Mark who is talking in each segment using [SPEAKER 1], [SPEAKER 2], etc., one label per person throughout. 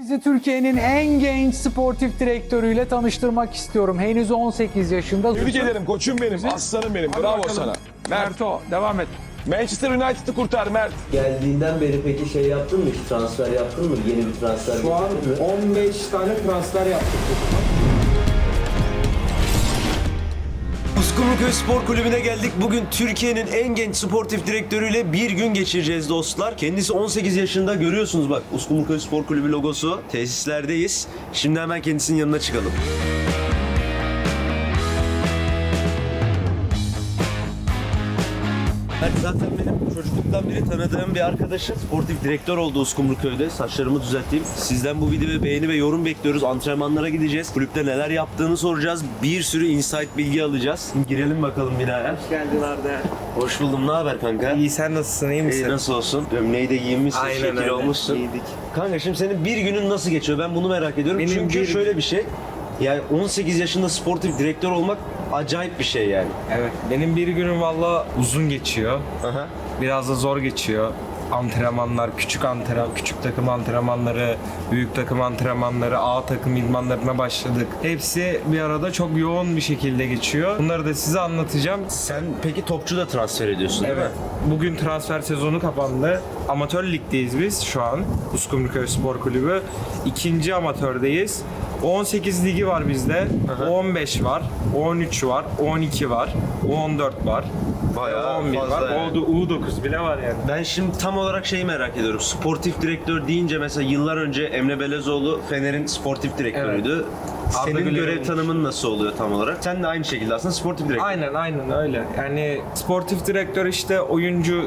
[SPEAKER 1] Sizi Türkiye'nin en genç sportif direktörüyle tanıştırmak istiyorum. Henüz 18 yaşında.
[SPEAKER 2] Tebrik ederim koçum benim, aslanım benim. Bravo sana.
[SPEAKER 1] Merto, devam et.
[SPEAKER 2] Manchester United'ı kurtar Mert.
[SPEAKER 3] Geldiğinden beri peki şey yaptın mı? Hiç transfer yaptın mı? Yeni bir transfer
[SPEAKER 4] Şu an
[SPEAKER 3] yaptın mı?
[SPEAKER 4] 15 tane transfer yaptık.
[SPEAKER 3] Uskumruköy Spor Kulübü'ne geldik. Bugün Türkiye'nin en genç sportif direktörüyle bir gün geçireceğiz dostlar. Kendisi 18 yaşında, görüyorsunuz bak Uskumruköy Spor Kulübü logosu. Tesislerdeyiz. Şimdi hemen kendisinin yanına çıkalım. Evet, zaten benim çocukluktan beri tanıdığım bir arkadaşım. Sportif direktör oldu Uskumruköy'de. Saçlarımı düzelteyim. Sizden bu videoya beğeni ve yorum bekliyoruz. Antrenmanlara gideceğiz. Kulüpte neler yaptığını soracağız. Bir sürü insight bilgi alacağız. Girelim bakalım binaya.
[SPEAKER 4] Hoş geldin Arda.
[SPEAKER 3] Hoş buldum. Ne haber kanka?
[SPEAKER 4] İyi, sen nasılsın? İyi misin?
[SPEAKER 3] İyi, nasıl olsun? Gömleği de giyinmişsin,
[SPEAKER 4] Aynen
[SPEAKER 3] şekil
[SPEAKER 4] öyle.
[SPEAKER 3] olmuşsun.
[SPEAKER 4] İyiydik.
[SPEAKER 3] Kanka şimdi senin bir günün nasıl geçiyor? Ben bunu merak ediyorum.
[SPEAKER 4] Benim
[SPEAKER 3] Çünkü
[SPEAKER 4] bir-
[SPEAKER 3] şöyle bir şey. Yani 18 yaşında sportif direktör olmak acayip bir şey yani.
[SPEAKER 4] Evet, benim bir günüm valla uzun geçiyor.
[SPEAKER 3] Aha.
[SPEAKER 4] Biraz da zor geçiyor. Antrenmanlar, küçük takım antrenmanları, büyük takım antrenmanları, A takım idmanlarına başladık. Hepsi bir arada çok yoğun bir şekilde geçiyor. Bunları da size anlatacağım.
[SPEAKER 3] Sen peki topçu da transfer ediyorsun değil mi?
[SPEAKER 4] Evet. Bugün transfer sezonu kapandı. Amatör ligdeyiz biz şu an. Uskumruköy Spor Kulübü. İkinci amatördeyiz. 18 ligi var bizde. 15 var, 13 var, 12 var, 14 var.
[SPEAKER 3] Bayağı
[SPEAKER 4] 11
[SPEAKER 3] fazla
[SPEAKER 4] var.
[SPEAKER 3] yani.
[SPEAKER 4] U9 bile var yani.
[SPEAKER 3] Ben şimdi tam olarak şeyi merak ediyorum. Sportif direktör deyince mesela yıllar önce Emre Belezoğlu Fener'in sportif direktörüydü.
[SPEAKER 4] Arda
[SPEAKER 3] Senin
[SPEAKER 4] Güler
[SPEAKER 3] görev
[SPEAKER 4] olmuş.
[SPEAKER 3] tanımın nasıl oluyor tam olarak? Sen de aynı şekilde aslında sportif direktör.
[SPEAKER 4] Aynen öyle. Yani sportif direktör işte oyuncu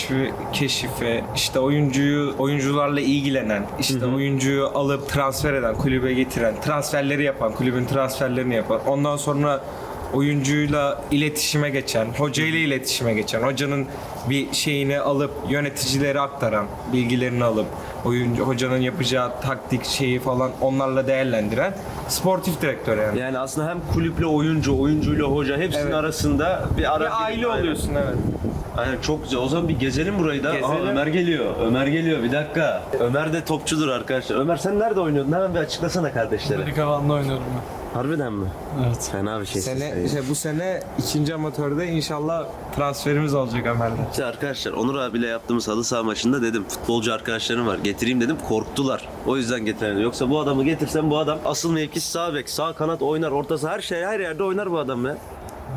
[SPEAKER 4] keşifi, işte oyuncularla ilgilenen, işte oyuncuyu alıp transfer eden, kulübe getiren, transferleri yapan, kulübün transferlerini yapan. Ondan sonra oyuncuyla iletişime geçen, hocayla iletişime geçen, hocanın bir şeyini alıp yöneticilere aktaran, bilgilerini alıp hocanın yapacağı taktik şeyi falan onlarla değerlendiren sportif direktör yani.
[SPEAKER 3] Yani aslında hem kulüple oyuncu, oyuncuyla hoca hepsinin
[SPEAKER 4] Evet.
[SPEAKER 3] arasında bir ara
[SPEAKER 4] Bir aile oluyorsun, evet.
[SPEAKER 3] Aynen, çok güzel. O zaman bir gezelim burayı da. Aa,
[SPEAKER 4] Gezelim.
[SPEAKER 3] Ömer geliyor. Ömer geliyor. Bir dakika. Ömer de topçudur arkadaşlar. Ömer sen nerede oynuyordun? Hemen bir açıklasana kardeşlere.
[SPEAKER 5] Amerikavan'da oynuyorum
[SPEAKER 3] Harbiden mi?
[SPEAKER 5] ben. Evet.
[SPEAKER 3] Fena bir şey.
[SPEAKER 4] Bu sene ikinci amatörde inşallah transferimiz olacak Ömer'de.
[SPEAKER 3] İşte arkadaşlar Onur abiyle yaptığımız halı saha maçında dedim futbolcu arkadaşlarım var getireyim dedim, korktular. O yüzden getiremedim. Yoksa bu adamı getirsem bu adam asıl mevkisi sağ bek, sağ kanat oynar, ortası her yerde oynar bu adam ya.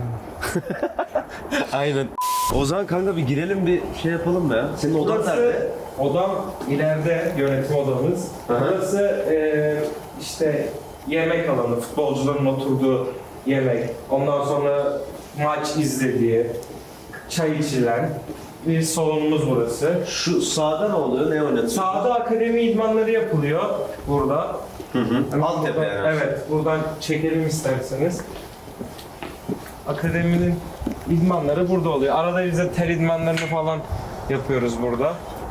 [SPEAKER 3] Aynen. O zaman kanka bir girelim, bir şey yapalım mı ya? Senin odan nerede?
[SPEAKER 4] Odam ileride, yönetim odamız. Burası işte yemek alanı, futbolcuların oturduğu yemek. Ondan sonra maç izlediği, çay içilen bir salonumuz burası.
[SPEAKER 3] Şu sağda ne oluyor? Ne oynatıyor?
[SPEAKER 4] Sağda akademi idmanları yapılıyor burada.
[SPEAKER 3] Altyapı yani.
[SPEAKER 4] Evet, buradan çekelim isterseniz. Akademinin idmanları burada oluyor. Arada bize ter idmanlarını falan yapıyoruz burada.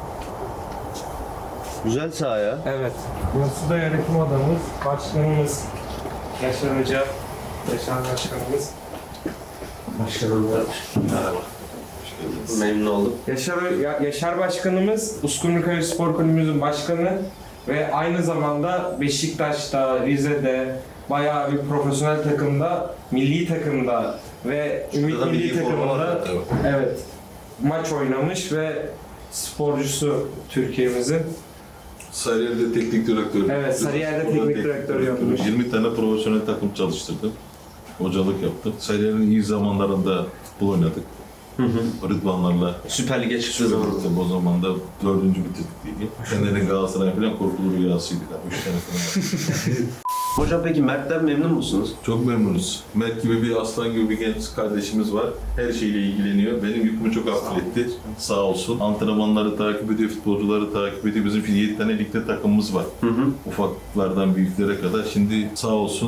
[SPEAKER 3] Güzel saha ya.
[SPEAKER 4] Evet. Burası da yönetim odamız. Başkanımız Yaşar Hoca. Yaşar Başkanımız.
[SPEAKER 3] Başkanım da. Merhaba. Memnun oldum.
[SPEAKER 4] Yaşar Başkanımız Uskumruköy Spor Kulübümüzün başkanı ve aynı zamanda Beşiktaş'ta, Rize'de bayağı bir profesyonel takımda, milli takımda ve Ümit
[SPEAKER 6] da
[SPEAKER 4] milli
[SPEAKER 6] milli forma var,
[SPEAKER 4] takımında evet maç oynamış ve sporcusu Türkiye'mizin.
[SPEAKER 6] Sarıyer'de teknik direktör.
[SPEAKER 4] Evet, Sarıyer'de
[SPEAKER 6] Orada
[SPEAKER 4] teknik direktör yapmış.
[SPEAKER 6] 20 tane profesyonel takım çalıştırdım. Hocalık yaptım. Sarıyer'in iyi zamanlarında futbol oynadık. Rıdvanlarla.
[SPEAKER 3] Süper Lig'e çıktığı zaman.
[SPEAKER 6] O zaman da 4. bitirdik ligi. Fener'in Galatasaray falan korkulu rüyasıydı. 3 sene falan.
[SPEAKER 3] Hocam peki Mert'ten memnun musunuz?
[SPEAKER 6] Çok memnunuz. Mert gibi bir aslan gibi bir genç kardeşimiz var. Her şeyle ilgileniyor. Benim yükümü çok hafifletti. Sağ olsun. Antrenmanları takip ediyor, futbolcuları takip ediyor. Bizim 7 tane ligde takımımız var. Ufaklardan büyüklere kadar. Şimdi sağ olsun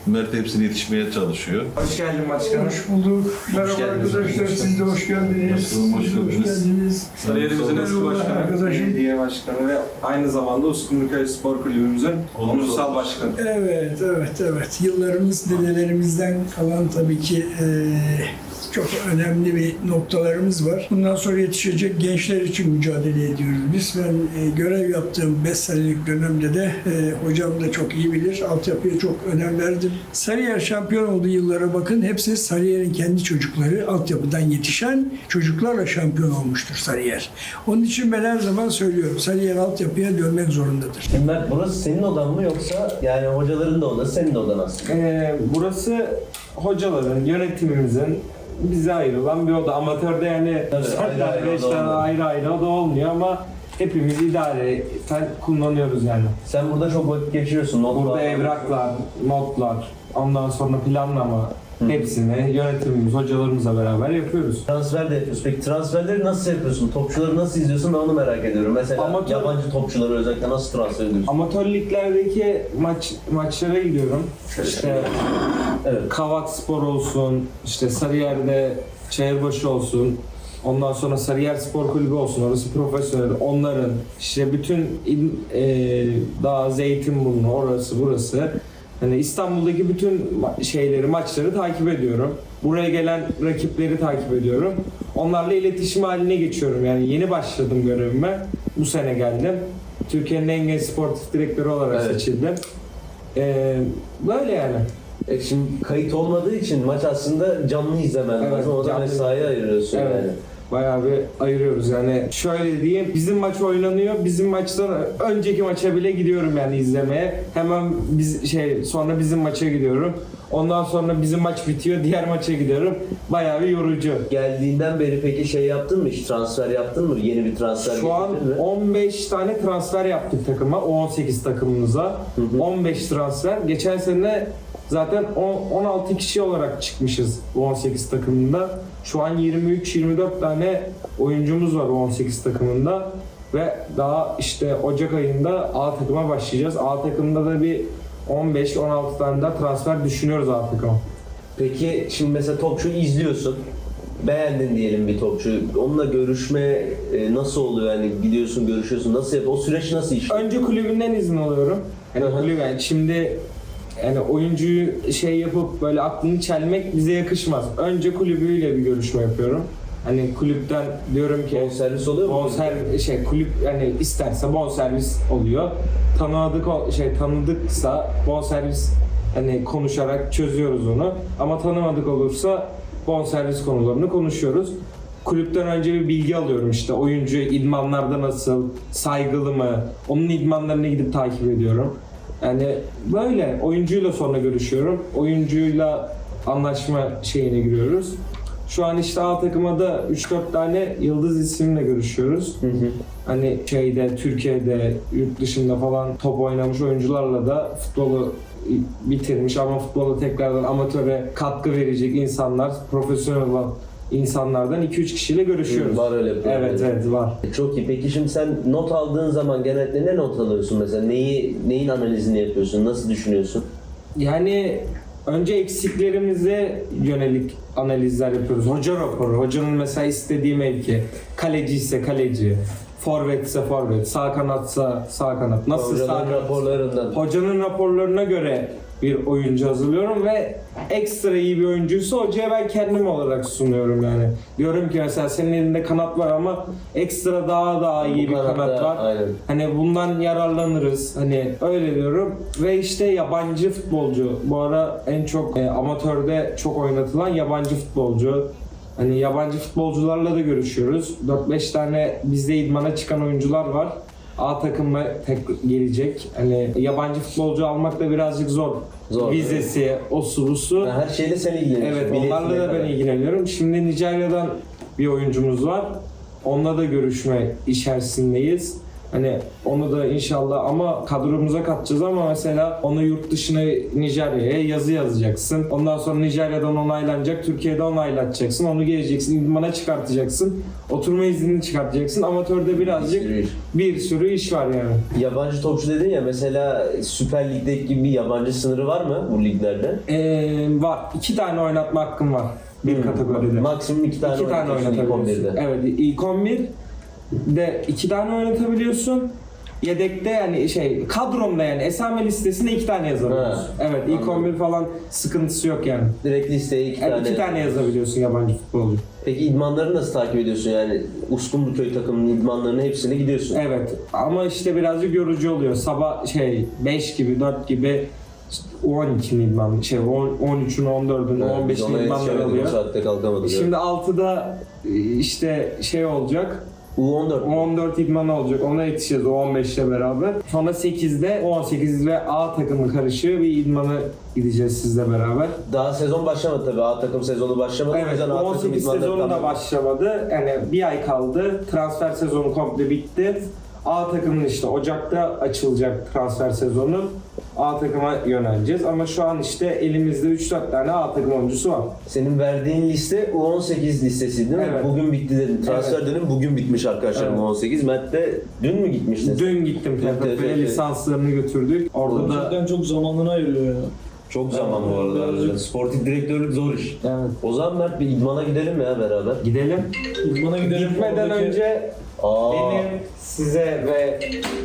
[SPEAKER 6] Mert hepsine yetişmeye çalışıyor.
[SPEAKER 4] Hoş geldin başkanım.
[SPEAKER 5] Hoş bulduk. Merhaba
[SPEAKER 3] geldiniz.
[SPEAKER 5] arkadaşlar, siz de hoş geldiniz.
[SPEAKER 6] Nasılsınız, hoş
[SPEAKER 5] Siz de
[SPEAKER 6] geldiniz.
[SPEAKER 4] Kariyerimizin eski
[SPEAKER 5] Merhaba
[SPEAKER 4] başkanı,
[SPEAKER 5] arkadaşım.
[SPEAKER 4] belediye başkanı ve aynı zamanda Uskumruköy Spor Kulübümüzün onursal başkanı.
[SPEAKER 5] Evet. Yıllarımız dedelerimizden kalan tabii ki çok önemli bir noktalarımız var. Bundan sonra yetişecek gençler için mücadele ediyoruz. Biz ben görev yaptığım 5 senelik dönemde de hocam da çok iyi bilir. Altyapıya çok önem verdim. Sarıyer şampiyon olduğu yıllara bakın. Hepsi Sarıyer'in kendi çocukları. Altyapıdan yetişen çocuklarla şampiyon olmuştur Sarıyer. Onun için ben her zaman söylüyorum. Sarıyer altyapıya dönmek zorundadır.
[SPEAKER 3] Şimdi Mert, burası senin odan mı yoksa yani hocaların da odası, senin de odan aslında?
[SPEAKER 4] Burası hocaların, yönetimimizin bize ayrılan bir oda. Amatörde yani
[SPEAKER 3] Tabii, ayrı ayrı
[SPEAKER 4] 5
[SPEAKER 3] oda
[SPEAKER 4] tane
[SPEAKER 3] olmuyor.
[SPEAKER 4] ayrı oda olmuyor ama hepimiz idareten kullanıyoruz yani.
[SPEAKER 3] Sen burada çok vakit geçiriyorsun.
[SPEAKER 4] Burada evraklar, notlar, ondan sonra planlama hepsini yönetimimiz, hocalarımızla beraber yapıyoruz.
[SPEAKER 3] Transfer de yapıyorsun. Peki transferleri nasıl yapıyorsun? Topçuları nasıl izliyorsun? Ben onu merak ediyorum. Mesela yabancı topçuları özellikle nasıl transfer ediyorsun?
[SPEAKER 4] Amatör liglerdeki maçlara gidiyorum. İşte
[SPEAKER 3] Evet.
[SPEAKER 4] Kavak Spor olsun, işte Sarıyer'de Çayırbaşı olsun, ondan sonra Sarıyer Spor Kulübü olsun, orası profesyonel, onların işte bütün daha Zeytinburnu, orası burası. Hani İstanbul'daki bütün maçları takip ediyorum. Buraya gelen rakipleri takip ediyorum. Onlarla iletişim haline geçiyorum. Yani yeni başladım görevime. Bu sene geldim. Türkiye'nin en genç sportif direktörü olarak
[SPEAKER 3] Evet.
[SPEAKER 4] seçildim. Böyle yani.
[SPEAKER 3] Şimdi kayıt olmadığı için maç aslında canlı izlemen
[SPEAKER 4] Evet,
[SPEAKER 3] lazım. O da
[SPEAKER 4] canlı.
[SPEAKER 3] mesai ayırıyorsun
[SPEAKER 4] Evet.
[SPEAKER 3] yani.
[SPEAKER 4] Bayağı bir ayırıyoruz yani. Şöyle diyeyim, bizim maç oynanıyor. Bizim maçtan önceki maça bile gidiyorum yani izlemeye. Hemen sonra bizim maça gidiyorum. Ondan sonra bizim maç bitiyor, diğer maça gidiyorum. Bayağı bir yorucu.
[SPEAKER 3] Geldiğinden beri peki şey yaptın mı? Hiç transfer yaptın mı? Yeni bir transfer
[SPEAKER 4] Şu an
[SPEAKER 3] getirdin mi?
[SPEAKER 4] 15 tane transfer yaptık takıma, 18 takımımıza. 15 transfer. Geçen sene zaten 16 kişi olarak çıkmışız bu 18 takımında. Şu an 23-24 tane oyuncumuz var bu 18 takımında. Ve daha işte Ocak ayında A takıma başlayacağız. A takımda da bir 15-16 tane daha transfer düşünüyoruz A takıma.
[SPEAKER 3] Peki şimdi mesela topçu izliyorsun. Beğendin diyelim bir topçu. Onunla görüşme nasıl oluyor? Yani gidiyorsun, görüşüyorsun. Nasıl yapıyor? O süreç nasıl işliyor?
[SPEAKER 4] Önce kulübünden izin alıyorum.
[SPEAKER 3] Hı hı.
[SPEAKER 4] Kulüp yani şimdi yani oyuncuyu yapıp böyle aklını çelmek bize yakışmaz. Önce kulübüyle bir görüşme yapıyorum. Hani kulüpten diyorum ki
[SPEAKER 3] Bonservis oluyor mu?
[SPEAKER 4] kulüp yani isterse bonservis oluyor. Tanıdıksa bonservis hani konuşarak çözüyoruz onu. Ama tanımadık olursa bonservis konularını konuşuyoruz. Kulüpten önce bir bilgi alıyorum işte oyuncu idmanlarda nasıl, saygılı mı, onun idmanlarına gidip takip ediyorum. Yani böyle oyuncuyla sonra görüşüyorum. Oyuncuyla anlaşma şeyine giriyoruz. Şu an işte A takıma da 3-4 tane yıldız isimle görüşüyoruz. Hani Türkiye'de, yurt dışında falan top oynamış oyuncularla da futbolu bitirmiş ama futbola tekrardan amatöre katkı verecek insanlar, profesyonel olan insanlardan 2-3 kişiyle görüşüyoruz.
[SPEAKER 3] Var öyle bir
[SPEAKER 4] Evet var.
[SPEAKER 3] Çok iyi. Peki şimdi sen not aldığın zaman genellikle ne not alıyorsun mesela? Neyin analizini yapıyorsun? Nasıl düşünüyorsun?
[SPEAKER 4] Yani önce eksiklerimize yönelik analizler yapıyoruz. Hoca raporu, hocanın mesela istediği mevki, kaleci ise kaleci, forvet ise forvet, sağ kanatsa sağ kanat. Nasıl sağ
[SPEAKER 3] Hocaların
[SPEAKER 4] kanat?
[SPEAKER 3] raporlarından.
[SPEAKER 4] Hocanın raporlarına göre bir oyuncu hazırlıyorum ve ekstra iyi bir oyuncuysa hocaya ben kendim olarak sunuyorum yani. Diyorum ki mesela senin elinde kanat var ama ekstra daha iyi bir kanat var.
[SPEAKER 3] Aynen.
[SPEAKER 4] Hani bundan yararlanırız. Hani öyle diyorum. Ve işte yabancı futbolcu. Bu ara en çok amatörde çok oynatılan yabancı futbolcu. Hani yabancı futbolcularla da görüşüyoruz. 4-5 tane bizde idmana çıkan oyuncular var. A takımına gelecek. Hani yabancı futbolcu almak da birazcık zor. Vizesi, osu busu.
[SPEAKER 3] Her şeyle sen ilgileniyorsun.
[SPEAKER 4] Evet,
[SPEAKER 3] Biletine
[SPEAKER 4] onlarla da ben
[SPEAKER 3] kadar.
[SPEAKER 4] ilgileniyorum. Şimdi Nijerya'dan bir oyuncumuz var. Onunla da görüşme içerisindeyiz. Hani onu da inşallah ama kadromuza katacağız ama mesela onu yurt dışına Nijerya'ya yazı yazacaksın. Ondan sonra Nijerya'dan onaylanacak, Türkiye'de onaylatacaksın. Onu geleceksin, idmana çıkartacaksın. Oturma iznini çıkartacaksın. Amatörde birazcık bir sürü iş var yani.
[SPEAKER 3] Yabancı topçu dedin ya, mesela Süper Lig'deki gibi bir yabancı sınırı var mı bu liglerde?
[SPEAKER 4] Var. 2 tane oynatma hakkım var bir kategoride.
[SPEAKER 3] Maksimum 2 tane,
[SPEAKER 4] 2 tane
[SPEAKER 3] oynatabiliyorsun ilk
[SPEAKER 4] oynatabiliyorsun.
[SPEAKER 3] 11'de.
[SPEAKER 4] Evet, ilk 11'de 2 tane oynatabiliyorsun. Yedekte yani kadromda yani esame listesine 2 tane yazabiliyorsun.
[SPEAKER 3] Ha,
[SPEAKER 4] Evet, ilk
[SPEAKER 3] anladım.
[SPEAKER 4] 11 falan sıkıntısı yok yani.
[SPEAKER 3] Direkt listeye 2
[SPEAKER 4] Evet,
[SPEAKER 3] tane.
[SPEAKER 4] 2 tane yazabiliyorsun yabancı futbolcu.
[SPEAKER 3] Peki idmanları nasıl takip ediyorsun yani? Uskumruköy takımının idmanlarının hepsine gidiyorsun.
[SPEAKER 4] Evet ama işte birazcık yorucu oluyor. Sabah 5 gibi 4 gibi 12'nin idmanı, 13'ün, 14'ün,
[SPEAKER 3] Biz
[SPEAKER 4] 15'in
[SPEAKER 3] ona
[SPEAKER 4] idmanları
[SPEAKER 3] yetişemedik, bu
[SPEAKER 4] oluyor.
[SPEAKER 3] saatte kalkamadık.
[SPEAKER 4] Şimdi 6'da işte olacak.
[SPEAKER 3] U14.
[SPEAKER 4] 14 idmanı olacak. Ona yetişeceğiz o 15'le beraber. Sonra 8'de 18 ve A takımı karışığı bir idmanı gideceğiz sizle beraber.
[SPEAKER 3] Daha sezon başlamadı tabii. A takım sezonu başlamadı. O
[SPEAKER 4] Evet,
[SPEAKER 3] yüzden A takım
[SPEAKER 4] 18
[SPEAKER 3] idmanları
[SPEAKER 4] sezonu da
[SPEAKER 3] tam-
[SPEAKER 4] başlamadı. Yani bir ay kaldı. Transfer sezonu komple bitti. A takımın işte Ocak'ta açılacak transfer sezonu. A takıma yöneleceğiz ama şu an işte elimizde 3-4 tane A takım oyuncusu var.
[SPEAKER 3] Senin verdiğin liste U18 listesi değil mi?
[SPEAKER 4] Evet.
[SPEAKER 3] Bugün bitti dedin. Transfer
[SPEAKER 4] Evet.
[SPEAKER 3] dönemi bugün bitmiş arkadaşlar,
[SPEAKER 4] Evet.
[SPEAKER 3] U18. Mert de dün mü gitmiştin?
[SPEAKER 4] Dün gittim TFF'ye,
[SPEAKER 3] TFF.
[SPEAKER 4] lisanslarını götürdük. Orada da
[SPEAKER 7] Gerçekten çok zamanını ayırıyor ya.
[SPEAKER 3] Çok zaman bu arada.
[SPEAKER 7] Birazcık-
[SPEAKER 3] Sportif direktörlük zor iş.
[SPEAKER 4] evet.
[SPEAKER 3] O zaman Mert bir idmana gidelim ya beraber.
[SPEAKER 4] Gidelim.
[SPEAKER 7] İdmana gidelim.
[SPEAKER 4] Gitmeden
[SPEAKER 7] oradaki-
[SPEAKER 4] önce
[SPEAKER 3] Aa,
[SPEAKER 4] benim size ve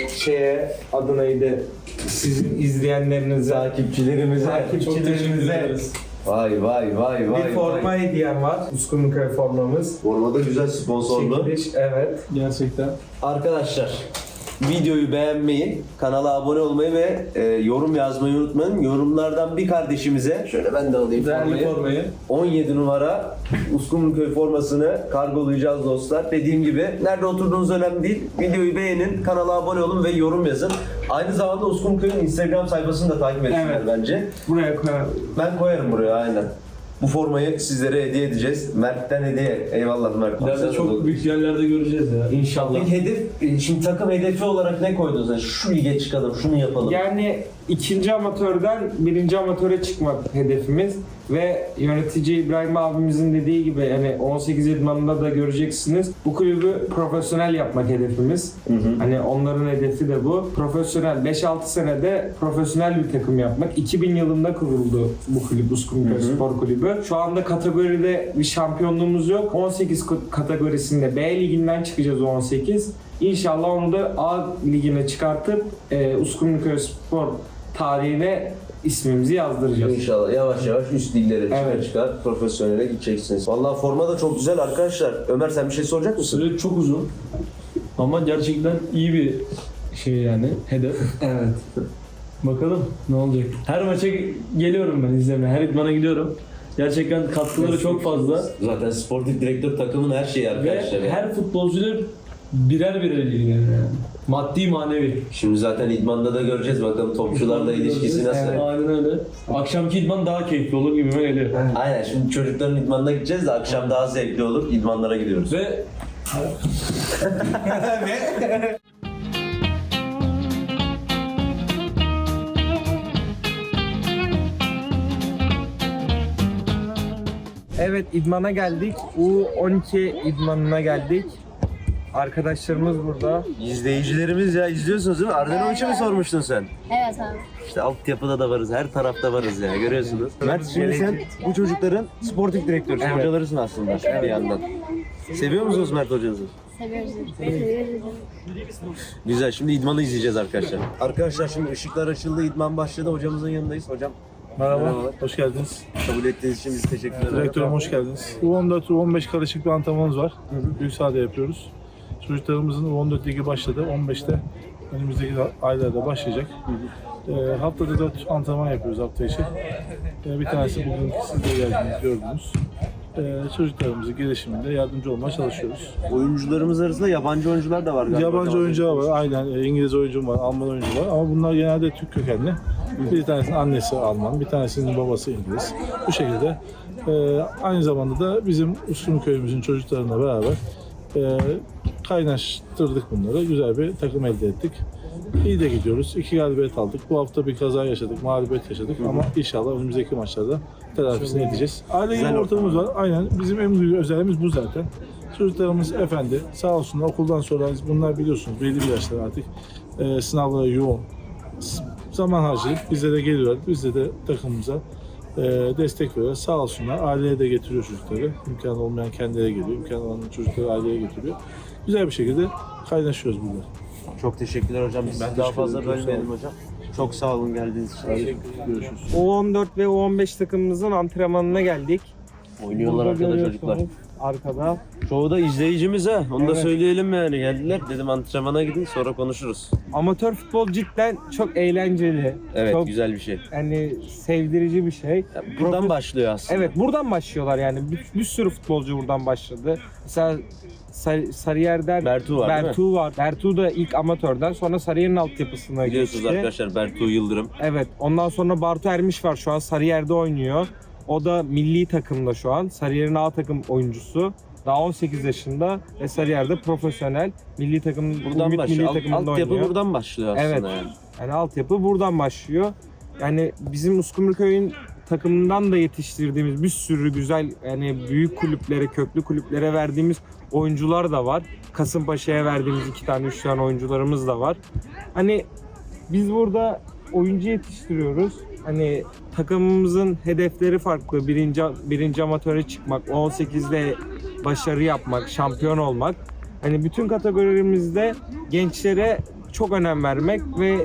[SPEAKER 4] adı neydi? Sizin izleyenlerinize,
[SPEAKER 3] takipçilerimize.
[SPEAKER 7] Çok teşekkür
[SPEAKER 4] takipçilerimize
[SPEAKER 7] ederiz.
[SPEAKER 3] Vay vay vay vay.
[SPEAKER 4] bir forma hediyem var. Uskumruköy formamız.
[SPEAKER 3] Formada güzel sponsorlu.
[SPEAKER 4] Çekiliş, evet.
[SPEAKER 7] Gerçekten.
[SPEAKER 3] Arkadaşlar, videoyu beğenmeyi, kanala abone olmayı ve yorum yazmayı unutmayın. Yorumlardan bir kardeşimize, şöyle ben de alayım
[SPEAKER 7] Değerli
[SPEAKER 3] formayı.
[SPEAKER 7] formayı.
[SPEAKER 3] 17 numara Uskumruköy formasını kargolayacağız dostlar. Dediğim gibi nerede oturduğunuz önemli değil. Videoyu beğenin, kanala abone olun ve yorum yazın. Aynı zamanda Uskumruköy'ün Instagram sayfasını da takip etsinler
[SPEAKER 4] Evet.
[SPEAKER 3] bence.
[SPEAKER 4] Buraya koyalım.
[SPEAKER 3] Ben koyarım buraya aynen. Bu formayı sizlere hediye edeceğiz. Mert'ten hediye. Eyvallah Mert.
[SPEAKER 7] İleride çok büyük yerlerde göreceğiz ya.
[SPEAKER 4] İnşallah.
[SPEAKER 3] Peki hedef, şimdi takım hedefi olarak ne koydunuz? Yani şu lige çıkalım, şunu yapalım.
[SPEAKER 4] Yani 2. amatörden 1. amatöre çıkmak hedefimiz ve yönetici İbrahim abimizin dediği gibi yani 18 idmanında da göreceksiniz. Bu kulübü profesyonel yapmak hedefimiz. Hani onların hedefi de bu. Profesyonel 5-6 senede profesyonel bir takım yapmak. 2000 yılında kuruldu bu kulüp, Uskumruköy Spor Kulübü. Şu anda kategoride bir şampiyonluğumuz yok. 18 kategorisinde B liginden çıkacağız o 18. İnşallah onu da A ligine çıkartıp Uskumruköy Spor tarihine ismimizi yazdıracağız.
[SPEAKER 3] İnşallah yavaş yavaş üst liglere
[SPEAKER 4] Evet.
[SPEAKER 3] çıkar, profesyonele gideceksiniz. Vallahi forma da çok güzel arkadaşlar. Ömer sen bir şey soracak mısın?
[SPEAKER 7] Süre çok uzun. Ama gerçekten iyi bir şey yani. Hedef.
[SPEAKER 4] Evet.
[SPEAKER 7] Bakalım ne olacak. Her maça geliyorum ben izlemeye. Her idmana gidiyorum. Gerçekten katkıları çok fazla.
[SPEAKER 3] Zaten sportif direktör takımın her şeyi
[SPEAKER 7] Ve
[SPEAKER 3] arkadaşlar.
[SPEAKER 7] her futbolcuyla birer ilgileniyor yani. Maddi manevi.
[SPEAKER 3] Şimdi zaten idmanda da göreceğiz bakalım topçularla ilişkisi nasıl.
[SPEAKER 4] Evet.
[SPEAKER 7] Aynen öyle. Akşamki idman daha keyifli olur gibime geliyor.
[SPEAKER 3] Aynen, şimdi çocukların idmanına gideceğiz de akşam daha zevkli olur. İdmanlara gidiyoruz.
[SPEAKER 7] Ve
[SPEAKER 4] Evet, idmana geldik. U12 idmanına geldik. Arkadaşlarımız burada.
[SPEAKER 3] İzleyicilerimiz ya, izliyorsunuz değil mi? Ardanovic'e mi sormuştun sen?
[SPEAKER 8] Evet abi.
[SPEAKER 3] İşte altyapıda da varız, her tarafta varız ya, görüyorsunuz. Mert, şimdi sen bu çocukların sportif direktörüsün,
[SPEAKER 4] Evet.
[SPEAKER 3] hocalarısın aslında bir yandan. Seviyor musunuz Mert hocanızı?
[SPEAKER 8] Seviyoruz. Seviyoruz.
[SPEAKER 3] Güzel, şimdi idmanı izleyeceğiz arkadaşlar. Arkadaşlar şimdi ışıklar açıldı, idman başladı. Hocamızın yanındayız. Hocam
[SPEAKER 9] Merhaba,
[SPEAKER 3] merhabalar.
[SPEAKER 9] hoş geldiniz.
[SPEAKER 3] Kabul ettiğiniz için biz teşekkür ederiz.
[SPEAKER 9] Direktörüm hoş geldiniz. U14, U15 karışık bir antrenmanımız var. Büyük sahada yapıyoruz. Çocuklarımızın U14 ligi başladı. 15'te önümüzdeki aylarda başlayacak. Haftada 4 antrenman yapıyoruz hafta içi. Bir tanesi bugün siz de geldiniz, gördünüz. Çocuklarımızın gelişiminde yardımcı olmaya çalışıyoruz.
[SPEAKER 3] Oyuncularımız arasında yabancı oyuncular da var galiba.
[SPEAKER 9] Yabancı oyuncular var, aynen İngiliz oyuncum var, Alman oyuncu var ama bunlar genelde Türk kökenli. Bir tanesinin annesi Alman, bir tanesinin babası İngiliz. Bu şekilde aynı zamanda da bizim Uskumruköy'ümüzün çocuklarıyla beraber kaynaştırdık bunları. Güzel bir takım elde ettik. İyi de gidiyoruz. 2 galibiyet aldık. Bu hafta bir kaza yaşadık, mağlubiyet yaşadık ama inşallah önümüzdeki maçlarda telafisini edeceğiz. Aile gibi ortamımız var. Aynen. Bizim en büyük özelliğimiz bu zaten. Çocuklarımız efendi. Sağ olsunlar okuldan sonra bunlar biliyorsunuz belli bir yaşlar artık. Sınavlara yoğun. Zaman harcayıp bize de geliyorlar. Biz de takımımıza destek veriyorlar. Sağ olsunlar. Aileye de getiriyor çocukları. İmkanı olmayan kendileri geliyor. İmkanı olan çocukları aileye getiriyor. Güzel bir şekilde kaynaşıyoruz burada.
[SPEAKER 3] Çok teşekkürler hocam. Biz daha fazla bölmeyelim hocam. Çok sağ olun geldiğiniz için.
[SPEAKER 9] Görüşürüz.
[SPEAKER 4] U14 ve U15 takımımızın antrenmanına geldik.
[SPEAKER 3] Oynuyorlar
[SPEAKER 4] Burada
[SPEAKER 3] arkada çocuklar.
[SPEAKER 4] görüyorsunuz Arkada.
[SPEAKER 3] Çoğu da izleyicimiz ha. Onu da
[SPEAKER 4] Evet.
[SPEAKER 3] söyleyelim yani. Geldiler. Dedim antrenmana gidin sonra konuşuruz.
[SPEAKER 4] Amatör futbol cidden çok eğlenceli.
[SPEAKER 3] Evet
[SPEAKER 4] Çok
[SPEAKER 3] güzel bir şey.
[SPEAKER 4] yani sevdirici bir şey.
[SPEAKER 3] Buradan başlıyor aslında.
[SPEAKER 4] Evet buradan başlıyorlar yani. Bir sürü futbolcu buradan başladı. Mesela Sarıyer'den
[SPEAKER 3] Bertu var değil mi?
[SPEAKER 4] Bertu var. Bertu da ilk amatörden sonra Sarıyer'in altyapısına
[SPEAKER 3] Biliyorsunuz
[SPEAKER 4] geçti.
[SPEAKER 3] arkadaşlar Bertu Yıldırım.
[SPEAKER 4] Evet. Ondan sonra Bartu Ermiş var şu an Sarıyer'de oynuyor. O da milli takımda şu an. Sarıyer'in A takım oyuncusu. Daha 18 yaşında ve Sarıyer'de profesyonel milli takım
[SPEAKER 3] Buradan
[SPEAKER 4] milli
[SPEAKER 3] başlıyor.
[SPEAKER 4] takımında
[SPEAKER 3] Altyapı
[SPEAKER 4] oynuyor.
[SPEAKER 3] buradan başlıyor aslında
[SPEAKER 4] Evet.
[SPEAKER 3] yani.
[SPEAKER 4] Yani altyapı buradan başlıyor. Yani bizim Uskumruköy'ün takımından da yetiştirdiğimiz bir sürü güzel yani büyük kulüplere, köklü kulüplere verdiğimiz oyuncular da var. Kasımpaşa'ya verdiğimiz 2 tane 3 tane oyuncularımız da var. Hani biz burada oyuncu yetiştiriyoruz. Hani takımımızın hedefleri farklı. Birinci amatöre çıkmak, 18'de başarı yapmak, şampiyon olmak. Hani bütün kategorilerimizde gençlere çok önem vermek ve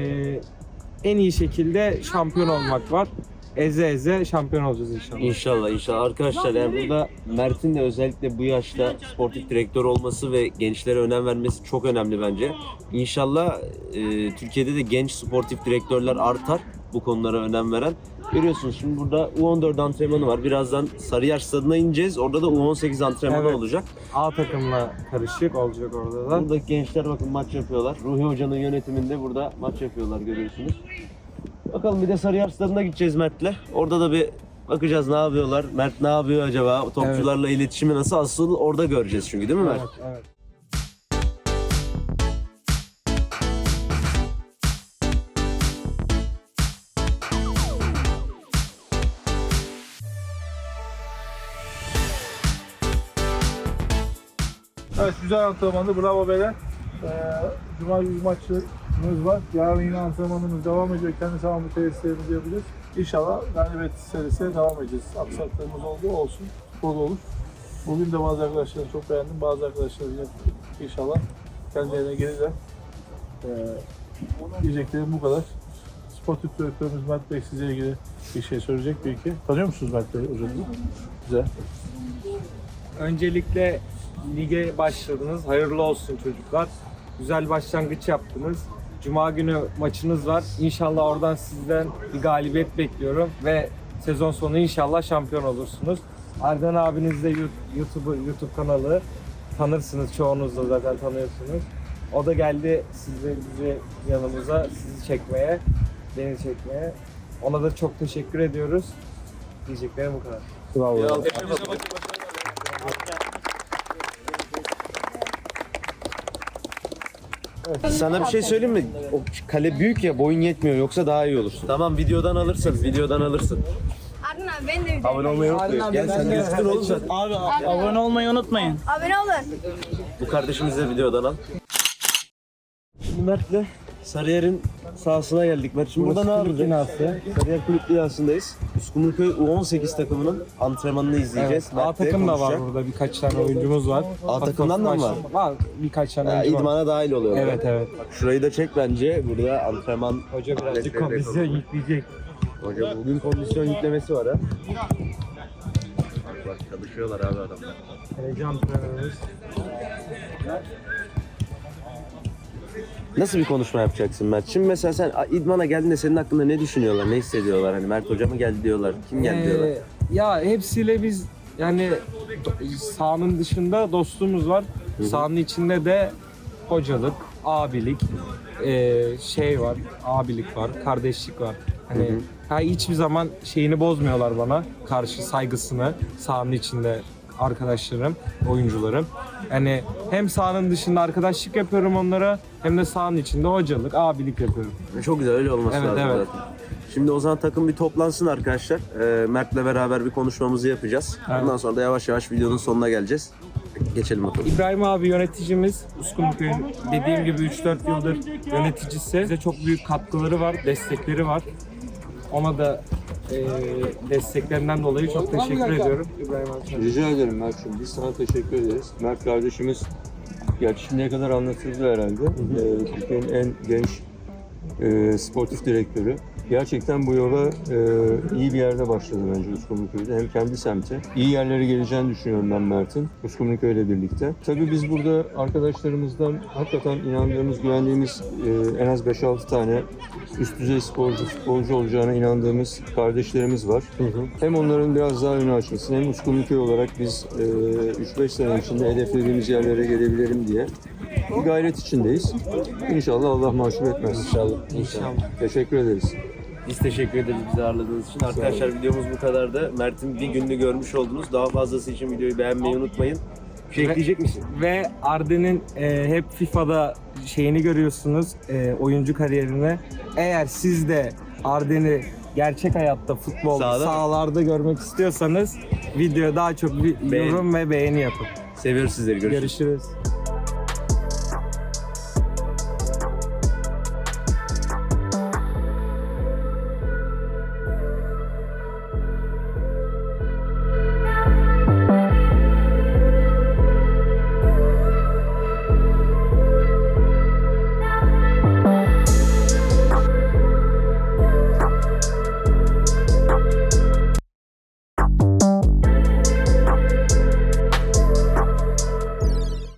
[SPEAKER 4] en iyi şekilde şampiyon olmak var. Eze eze şampiyon olacağız inşallah.
[SPEAKER 3] İnşallah inşallah. Arkadaşlar yani burada Mert'in de özellikle bu yaşta sportif direktör olması ve gençlere önem vermesi çok önemli bence. İnşallah Türkiye'de de genç sportif direktörler artar bu konulara önem veren. Görüyorsunuz şimdi burada U14 antrenmanı var. Birazdan Sarıyer Stadı'na ineceğiz. Orada da U18 antrenmanı
[SPEAKER 4] Evet.
[SPEAKER 3] olacak.
[SPEAKER 4] A takımla karışık olacak orada da.
[SPEAKER 3] Buradaki gençler bakın maç yapıyorlar. Ruhi Hoca'nın yönetiminde burada maç yapıyorlar görüyorsunuz. Bakalım bir de Sarıyer Stadı'na gideceğiz Mert'le. Orada da bir bakacağız ne yapıyorlar. Mert ne yapıyor acaba? Topçularla iletişimi nasıl? Asıl orada göreceğiz çünkü değil mi Mert?
[SPEAKER 4] Evet, evet.
[SPEAKER 9] Evet güzel antrenmandı. Bravo beyler. Cuma günü maçımız var. Yarın yine antrenmanımız devam ediyor. Kendi sahamı tesislerimizi yapacağız. İnşallah galibiyet serisine devam edeceğiz. Aksaklarımız oldu olsun. Futbol olur. Bugün de bazı arkadaşları çok beğendim. Bazı arkadaşlar yine inşallah kendilerine gelirler. Diyeceklerim bu kadar. Sportif direktörümüz Mert Bey size ilgili bir şey söyleyecek belki. Tanıyor musunuz Mert Bey hocamızı? Güzel.
[SPEAKER 4] Öncelikle lige başladınız. Hayırlı olsun çocuklar. Güzel başlangıç yaptınız. Cuma günü maçınız var. İnşallah oradan sizden bir galibiyet bekliyorum ve sezon sonu inşallah şampiyon olursunuz. Ardan abiniz de YouTube kanalı tanırsınız. Çoğunuz da zaten tanıyorsunuz. O da geldi bize yanımıza sizi çekmeye, beni çekmeye. Ona da çok teşekkür ediyoruz. Diyeceklerim bu kadar.
[SPEAKER 9] Bravo.
[SPEAKER 3] Sana bir şey söyleyeyim mi? O kale büyük ya boyun yetmiyor yoksa daha iyi olur. Tamam videodan alırsın. Videodan alırsın.
[SPEAKER 8] Arın abi ben de
[SPEAKER 3] Abone olmayı unutmayın. Gel sen gözükür oğlum zaten.
[SPEAKER 10] Abone olmayı unutmayın.
[SPEAKER 8] abone olun.
[SPEAKER 3] Bu kardeşimizi de videodan al. Şimdi Mert'le Sarıyer'in sahasına geldik. Mert şimdi burada ne yapacağız? Sarıyer Kulüp binasındayız. Uskumruköy U18 takımının antrenmanını izleyeceğiz.
[SPEAKER 4] Evet, A
[SPEAKER 3] Mert de
[SPEAKER 4] takım da var
[SPEAKER 3] konuşacak.
[SPEAKER 4] burada. Birkaç tane oyuncumuz var.
[SPEAKER 3] A takımdan da mı var?
[SPEAKER 4] Var. Birkaç tane
[SPEAKER 3] Ha,
[SPEAKER 4] oyuncu var.
[SPEAKER 3] idmana dahil oluyor.
[SPEAKER 4] Evet evet.
[SPEAKER 3] Bak şurayı da çek bence. Burada antrenman.
[SPEAKER 4] Hoca birazcık
[SPEAKER 3] aletleri de
[SPEAKER 4] kondisyon yükleyecek.
[SPEAKER 3] Hocam bugün kondisyon yüklemesi var ha. Bak çalışıyorlar abi adamlar.
[SPEAKER 4] Kaleci antrenörümüz.
[SPEAKER 3] Nasıl bir konuşma yapacaksın Mert? Şimdi mesela sen idmana geldiğinde senin hakkında ne düşünüyorlar, ne hissediyorlar? Hani Mert Hoca mı geldi diyorlar, kim geldi diyorlar?
[SPEAKER 4] Ya hepsiyle biz yani sahanın dışında dostluğumuz var. Sahanın içinde de hocalık, abilik, şey var, abilik var, kardeşlik var. Hani hiçbir zaman şeyini bozmuyorlar bana, karşı saygısını sahanın içinde arkadaşlarım, oyuncularım. Yani hem sahanın dışında arkadaşlık yapıyorum onlara hem de sahanın içinde hocalık, abilik yapıyorum.
[SPEAKER 3] Çok güzel, öyle olması
[SPEAKER 4] Evet,
[SPEAKER 3] lazım
[SPEAKER 4] evet.
[SPEAKER 3] zaten. Şimdi o zaman takım bir toplansın arkadaşlar. Mert'le beraber bir konuşmamızı yapacağız.
[SPEAKER 4] Evet.
[SPEAKER 3] Ondan sonra da yavaş yavaş videonun sonuna geleceğiz. Geçelim bakalım.
[SPEAKER 4] İbrahim abi yöneticimiz, Uskumruköy'ün dediğim gibi 3-4 yıldır yöneticisi. Bize çok büyük katkıları var, destekleri var. Ona da desteklerinden dolayı çok teşekkür ediyorum. İbrahim abi.
[SPEAKER 11] Rica ederim Mert'ciğim. Biz sana teşekkür ederiz. Mert kardeşimiz, gerçi şimdiye kadar anlatıldı herhalde. Türkiye'nin en genç sportif direktörü. Gerçekten bu yola iyi bir yerde başladı bence Uskumruköy'de. Hem kendi semti. İyi yerlere geleceğini düşünüyorum ben Mert'in. Uskumruköy'le birlikte. Tabii biz burada arkadaşlarımızdan hakikaten inandığımız, güvendiğimiz en az 5-6 tane üst düzey futbolcu olacağına inandığımız kardeşlerimiz var. Hem onların biraz daha önü açılsın, hem Uskumruköy olarak biz 3-5 sene içinde hedeflediğimiz yerlere gelebilirim diye bir gayret içindeyiz. İnşallah Allah mahcup etmez. İnşallah. Teşekkür ederiz.
[SPEAKER 3] Biz teşekkür ederiz bizi ağırladığınız için. Arkadaşlar videomuz bu kadardı. Mert'in bir gününü görmüş oldunuz. Daha fazlası için videoyu beğenmeyi unutmayın. Bir şey ekleyecek misin?
[SPEAKER 4] Ve Arden'in hep FIFA'da şeyini görüyorsunuz, oyuncu kariyerine. Eğer siz de Arden'i gerçek hayatta futbolda, sahalarda görmek istiyorsanız videoya daha çok bir yorum ve beğeni yapın.
[SPEAKER 3] Seviyoruz sizleri. Görüşürüz.
[SPEAKER 4] Görüşürüz.